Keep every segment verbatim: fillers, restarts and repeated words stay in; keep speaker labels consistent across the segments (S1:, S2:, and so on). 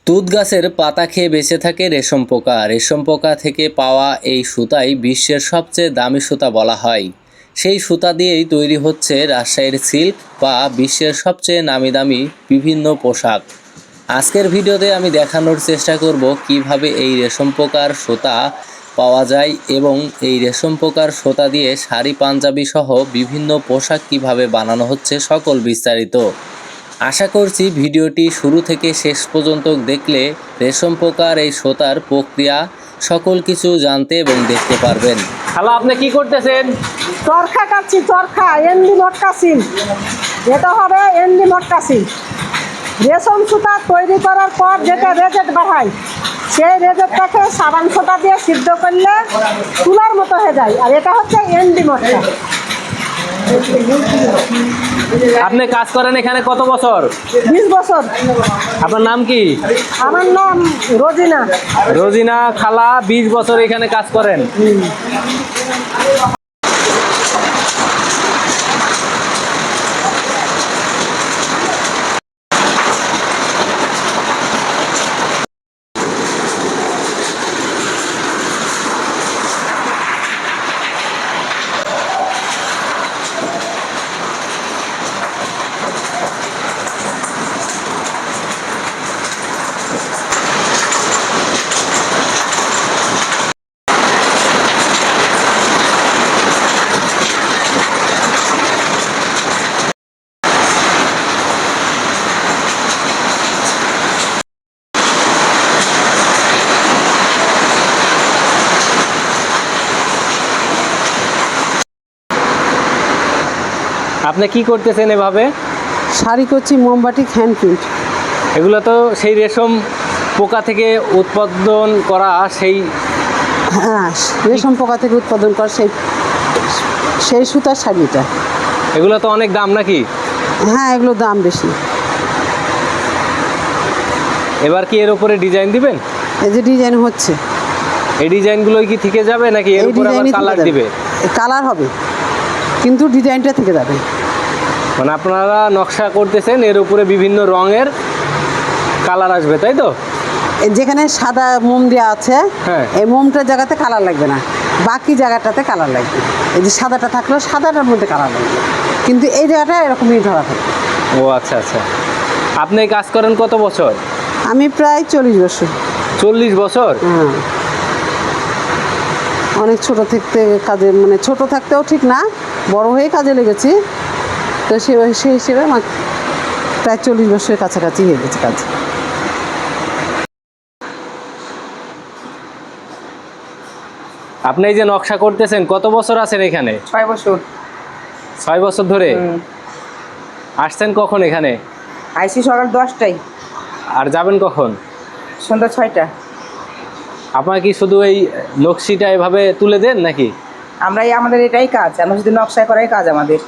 S1: তুঁত গাছের পাতা খেয়ে বেঁচে থাকে রেশম পোকা। রেশম পোকা থেকে পাওয়া এই সুতাই বিশ্বের সবচেয়ে দামি সুতা বলা হয়। সেই সুতা দিয়েই তৈরি হচ্ছে রাজশাহীর সিল্ক বা বিশ্বের সবচেয়ে নামি দামি বিভিন্ন পোশাক। আজকের ভিডিওতে আমি দেখানোর চেষ্টা করব কিভাবে এই রেশম পোকার সুতা পাওয়া যায় এবং এই রেশম পোকার সুতা দিয়ে শাড়ি পাঞ্জাবি সহ বিভিন্ন পোশাক কিভাবে বানানো হচ্ছে সকল বিস্তারিত। আশা করছি ভিডিওটি শুরু থেকে শেষ পর্যন্ত দেখলে রেশম পোকার এই সুতার প্রক্রিয়া সকল কিছু জানতে এবং দেখতে পারবেন।
S2: হ্যালো, আপনি কি করতেছেন?
S3: চরখা কাটছি, চরখা এন্ডি মটকা সিল। এটা হবে এন্ডি মটকা সিল। রেশম সুতা তৈরি করার পর যেটা রেজেট বাড়ায়, সেই রেজেটটাকে সাবান সুতা দিয়ে সিদ্ধ করলে তুলার মতো হয়ে যায়। আর এটা হচ্ছে এন্ডি মটকা।
S2: আপনি কাজ করেন এখানে কত বছর?
S3: বিশ বছর।
S2: আপনার নাম কি?
S3: আমার নাম রোজিনা।
S2: রোজিনা খালা বিশ বছর এখানে কাজ করেন। আপনি কি করতেছেন এভাবে?
S3: শাড়ি করছি, মোমবাটি, হ্যান্ড প্রিন্ট।
S2: এগুলো তো সেই রেশম পোকা থেকে উৎপাদন করা সেই
S3: হ্যাঁ, রেশম পোকা থেকে উৎপাদন করা সেই সেই সুতার শাড়িটা।
S2: এগুলো তো অনেক দাম নাকি?
S3: হ্যাঁ, এগুলোর দাম বেশি।
S2: এবার কি এর উপরে ডিজাইন দিবেন?
S3: এই যে ডিজাইন হচ্ছে,
S2: এই ডিজাইনগুলোই কি থেকে যাবে নাকি এর
S3: এই
S2: উপরে আবার
S3: ডিজাইনই
S2: কালার দিবে?
S3: কালার হবে, কিন্তু ডিজাইনটা থেকে যাবে।
S2: মানে আপনারা নকশা করতেছেন, এর উপরে বিভিন্ন রঙের কালার আসবে, তাই তো?
S3: যেখানে সাদা মোম দেওয়া আছে,
S2: হ্যাঁ।
S3: এই মোমটার জায়গাতে কালার লাগবে না, বাকি জায়গাটাতে কালার লাগবে। এই যে সাদাটা থাকলো, সাদাটার মধ্যে কালার লাগবে, কিন্তু এই জায়গাটা এরকমই ধরা থাকবে।
S2: ও আচ্ছা আচ্ছা। আপনি কাজ করেন কত বছর?
S3: আমি প্রায় চল্লিশ বছর।
S2: চল্লিশ বছর?
S3: হ্যাঁ, অনেক ছোট থাকতে কাজে, মানে ছোট থাকতেও ঠিক না, বড় হয়ে কাজে লেগেছি। তো সে সেই হিসেবে আমার প্রায় চল্লিশ বছরের কাছাকাছি হয়ে গেছে কাজ।
S2: আপনি এই যে নকশা করতেছেন কত বছর আছেন এখানে?
S3: ছয় বছর।
S2: ছয় বছর ধরে? আসছেন কখন এখানে?
S3: আইসি সকাল দশটায়,
S2: আর যাবেন কখন?
S3: সন্ধ্যা ছয়টা।
S2: আপনার কি শুধু এই নকশিটা এভাবে তুলে দেন নাকি?
S3: আমরা এই আমাদের এটাই কাজ, আমরা শুধু নকশা করাই কাজ আমাদের।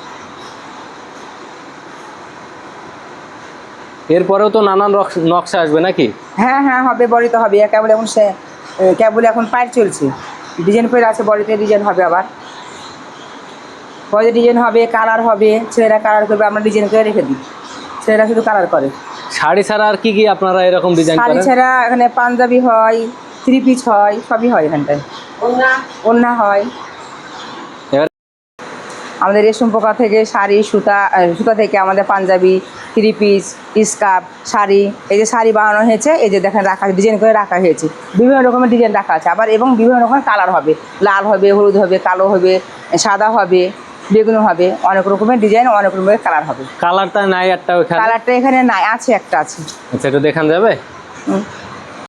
S2: এরপরেও তো নানান নকশা আসবে নাকি?
S3: হ্যাঁ হ্যাঁ, হবে, বড়িতে হবে। কেবল এখন সে কেবল এখন পায়ের চলছে, ডিজাইন করে আছে, বডিতে ডিজাইন হবে, আবার বডিতে ডিজাইন হবে, কালার হবে। ছেলেরা কালার করবে, আমরা ডিজাইন করে রেখে দিই, ছেলেরা শুধু কালার করে।
S2: শাড়ি ছাড়া আর কি কি আপনারা এরকম ডিজাইন
S3: শাড়ি
S2: করেন?
S3: ছাড়া এখানে পাঞ্জাবি হয়, থ্রি পিস হয়, সবই হয় এখানটায়। ওড়না ওড়না হয়।
S2: এবার
S3: আমাদের রেশম পোকা থেকে শাড়ি, সুতা সুতা থেকে আমাদের Punjabi, three piece, scarf, sari. এই যে শাড়ি বানানো হয়েছে, এই যে দেখেন রাখা, ডিজাইন করে রাখা হয়েছে, বিভিন্ন রকমের ডিজাইন রাখা আছে আবার, এবং বিভিন্ন রকমের কালার হবে, লাল হবে, হলুদ হবে, কালো হবে, সাদা হবে, বেগুনি হবে, অনেক রকমের ডিজাইন, অনেক রকমের কালার হবে।
S2: কালারটা নাই একটা ওখানে?
S3: কালারটা এখানে নাই, আছে, একটা আছে।
S2: আচ্ছা, একটু দেখান যাবে?
S3: হুম।